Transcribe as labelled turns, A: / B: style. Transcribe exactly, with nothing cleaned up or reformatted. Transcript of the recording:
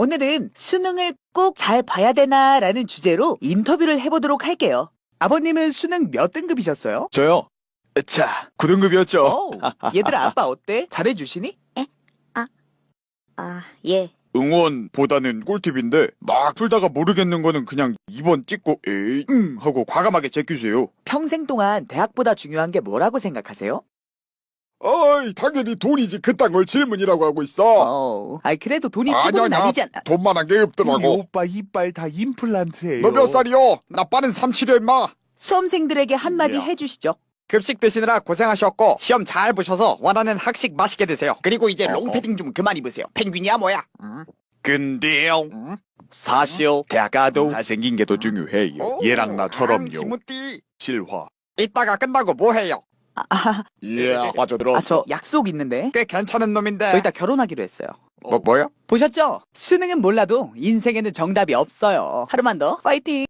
A: 오늘은 수능을 꼭 잘 봐야 되나라는 주제로 인터뷰를 해보도록 할게요. 아버님은 수능 몇 등급이셨어요?
B: 저요? 자, 구 등급이었죠.
A: 어, 얘들아 아빠 어때? 잘해주시니?
C: 아, 예.
B: 응원보다는 꿀팁인데 막 풀다가 모르겠는 거는 그냥 이 번 찍고 에이 음 하고 과감하게 제끼세요.
A: 평생 동안 대학보다 중요한 게 뭐라고 생각하세요?
B: 어이, 당연히 돈이지 그딴 걸 질문이라고 하고 있어.
A: 어, 아이 그래도 돈이 최고는 아니잖아.
B: 돈만한 게
D: 이
B: 없더라고.
D: 오빠 이빨 다 임플란트예요.
B: 너 몇 살이요? 나 빠른 삼칠이야 임마.
A: 수험생들에게 한마디
B: 야.
A: 해주시죠.
E: 급식 드시느라 고생하셨고 시험 잘 보셔서 원하는 학식 맛있게 드세요. 그리고 이제
B: 어허.
E: 롱패딩 좀 그만 입으세요. 펭귄이야 뭐야?
B: 근데요,
E: 응?
B: 사실 대학 가도 잘생긴 게 더 중요해요.
E: 오,
B: 얘랑
E: 아,
B: 나처럼요.
E: 기무띠.
B: 실화.
E: 이따가 끝나고 뭐 해요?
A: 아,
B: 예, 빠져들어.
A: 아, 저 약속 있는데.
E: 꽤 괜찮은 놈인데.
A: 저 이따 결혼하기로 했어요.
E: 뭐 뭐요?
A: 보셨죠? 수능은 몰라도 인생에는 정답이 없어요. 하루만 더 파이팅!